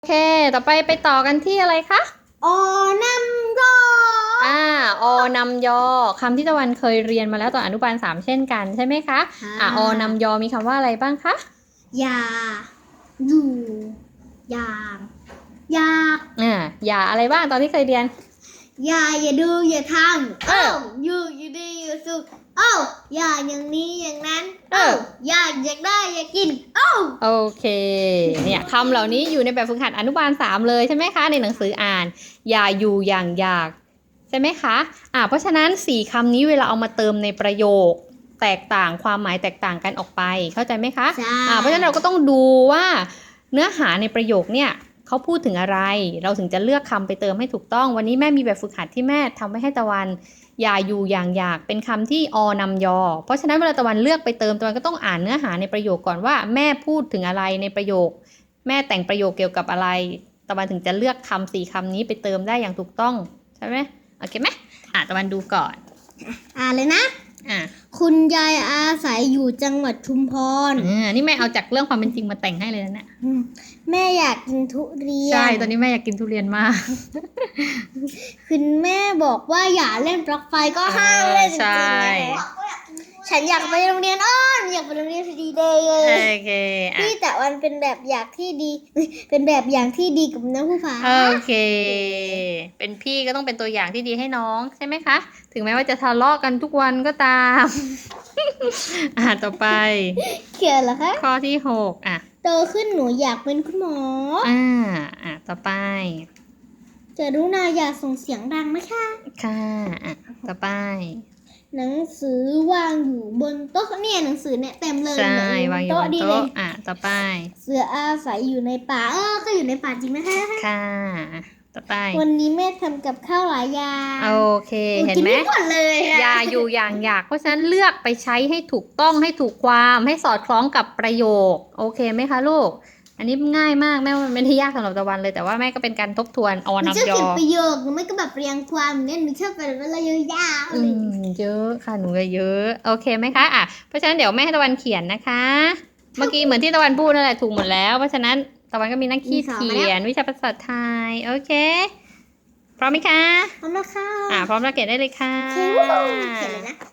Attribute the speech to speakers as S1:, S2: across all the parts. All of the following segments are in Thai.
S1: โอเค ต่อไปต่อกันที่อะไรคะ
S2: อนำยอ
S1: อนำยอคำที่ตะวันเคยเรียนมาแล้วตอนอนุบาล3เช่นกันใช่ไหมคะอนำยอมีคำว่าอะไรบ้างคะ
S2: อย่าอยู่อย่างอยาก
S1: อย่าอะไรบ้างตอนที่เคยเรียน
S2: อย่าดูอย่าทำอยู่ดีอยู่สุขอย่าอย่างนี้อย่างนั้นอยากได้อยากกิน
S1: โอเคเนี่ยคำเหล่านี้อยู่ในแบบฝึกหัดอนุบาล3เลยใช่ไหมคะในหนังสืออ่านอย่าอยู่อย่างอยากใช่ไหมคะเพราะฉะนั้น4คำนี้เวลาเอามาเติมในประโยคแตกต่างความหมายแตกต่างกันออกไปเข้าใจไหมคะเพราะฉะนั้นเราก็ต้องดูว่าเนื้อหาในประโยคเนี่ยเขาพูดถึงอะไรเราถึงจะเลือกคำไปเติมให้ถูกต้องวันนี้แม่มีแบบฝึกหัดที่แม่ทำไว้ให้ตะวันอย่าอยู่อย่างอยากเป็นคำที่นำยอเพราะฉะนั้นเวลาตะวันเลือกไปเติมตะวันก็ต้องอ่านเนื้อหาในประโยคก่อนว่าแม่พูดถึงอะไรในประโยคแม่แต่งประโยคเกี่ยวกับอะไรตะวันถึงจะเลือกคำ4คำนี้ไปเติมได้อย่างถูกต้องใช่ไหมโอเคไหมตะวันดูก่อน
S2: เลยนะคุณยายอาศัยอยู่จังหวัดชุมพร
S1: นี่แม่เอาจากเรื่องความเป็นจริงมาแต่งให้เลยนะเนี่ย
S2: แม่อยากกินทุเรียน
S1: ใช่ตอนนี้แม่อยากกินทุเรียนมาก
S2: คุณแม่บอกว่าอย่าเล่นปลั๊กไฟก็ห้ามเล่นจริงๆฉันอยากไปโรงเรียนอยากไปโรงเรียนดีเดย์เลย
S1: โอเค
S2: พี่แต่วันเป็นแบบอย่างที่ดีเป็นแบบอย่างที่ดีกับน้องผู้ฟ้า
S1: โอเคเป็นพี่ก็ต้องเป็นตัวอย่างที่ดีให้น้องใช่ไหมคะถึงแม้ว่าจะทะเลาะกันทุกวันก็ตามต่อไป
S2: เขียนเหรอคะ
S1: ข้อที่6
S2: โตขึ้นหนูอยากเป็นคุณหมอ
S1: ต่อไป
S2: จะรู้นาอย่าส่งเสียงดังนะคะ
S1: ค่ะต่อไป
S2: หนังสือวางอยู่บนโต๊ะเนี่ยหนังสือเนี่ยเต็มเลย
S1: ใช่วางอยู่บนโต๊ะต่อไป
S2: เสืออาศัยอยู่ในป่าก็อยู่ในป่าจริงนะคะ
S1: ค่ะต่อไป
S2: วันนี้แม่ทำกับข้าวหลายอย่าง
S1: โอเคเห็นไหมอย่าอยู่อย่างอยากเพราะฉะนั้นเลือกไปใช้ให้ถูกต้องให้ถูกความให้สอดคล้องกับประโยคโอเคไหมคะลูกอันนี้ง่ายมากแม่ไม่ได้ยากสำหรับตะวันเลยแต่ว่าแม่ก็เป็นการทบทวนนำยอ
S2: ประโยคหนูไม่ก็แบบเรียงความเนี่ยหนูชอบแบบเวลาเยอะยาว
S1: เยอะค่ะหนูเยอะโอเคไหมคะเพราะฉะนั้นเดี๋ยวแม่ให้ตะวันเขียนนะคะเมื่อกี้เหมือนที่ตะวันพูดนั่นแหละถูกหมดแล้วเพราะฉะนั้นตะวันก็มีหน้าที่เขียนวิชาภาษาไทยโอเคพร้อมไหมคะ
S2: พร้อมแล้วค่ะ
S1: พร้อมแล้วเขียนได้เลยค่ะ
S2: เขียนเลยนะ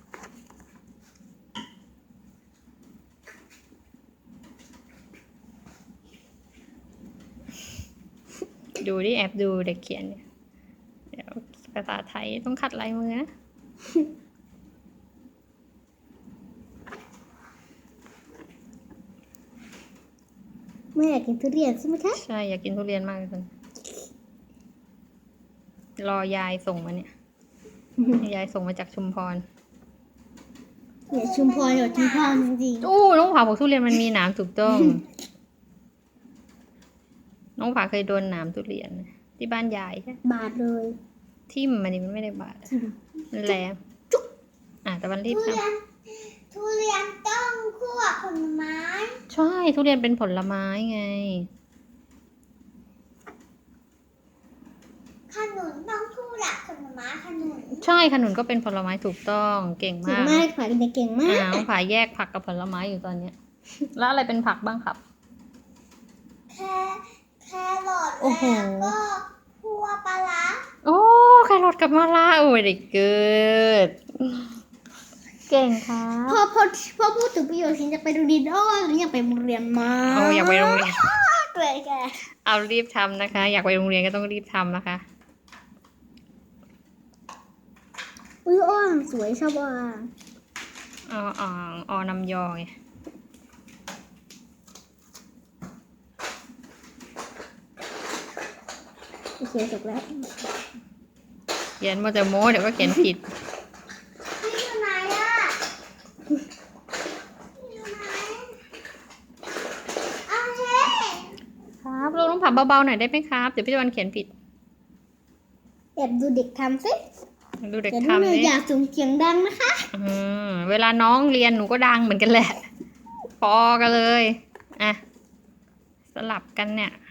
S1: ดูดิแอบดูเด็กเขียนเนี่ยเดี๋ยวภาษาไทยต้องขัดลายมือนะ
S2: ไม่อยากกินทุเรียนใช่ไหมคะ
S1: ใช่อยากกินทุเรียนมากเลยรอยายส่งมาเนี่ยยายส่งมาจากชุมพร
S2: เนี่ยชุมพรอยู่ชุมพรจริง
S1: ๆน้องผาบอกทุเรียนมันมีหนามถูกต้องน้องผาเคยโดนหนามทุเรียนที่บ้านยายใช่
S2: บาดเลย
S1: ทิ่มมันนี่มันไม่ได้บาดมันแหลมแต่วันรีบท
S2: ำทุเรียนต้องคั่วผลไม้
S1: ใช่ทุเรียนเป็นผลไม้ไง
S2: ขนุนต้องคั่วผลไม้ขนุน
S1: ใช่ขนุนก็เป็นผลไม้ถูกต้องเก่งมาก
S2: ผักเก่งมาก
S1: น้องผาแยกผักกับผลไม้อยู่ตอนนี้แล้วอะไรเป็นผักบ้างครับ
S2: แครอทแล้วก็คั่วปลาร้า
S1: แครอทกับมะระเด็กเกิดเก่งค่ะ
S2: พอพูดถึงประโยชน์ฉันจะไปโรงเรียนอยากไปโรงเรียนมา
S1: อยากไปโรงเรียน
S2: เลยแก
S1: เอารีบทำนะคะอยากไปโรงเรียนก็ต้องรีบทำนะคะ
S2: สวยชอบ
S1: นำยอไง
S2: เขียนจบแล้ว
S1: เขียนมาจะโม้เดี๋ยวก็เขียนผิด
S2: อยู่ไหน
S1: ครับลูกต้องผับเบาๆหน่อยได้ไหมครับเดี๋ยวพี่ตะวันเขียนผิด
S2: แอบดูเด็กทำสิ
S1: ดูเด็กทำ
S2: อย่าส่งเสียงดังนะคะ
S1: เวลาน้องเรียนหนูก็ดังเหมือนกันแหละพอกันเลยสลับกันเนี่ย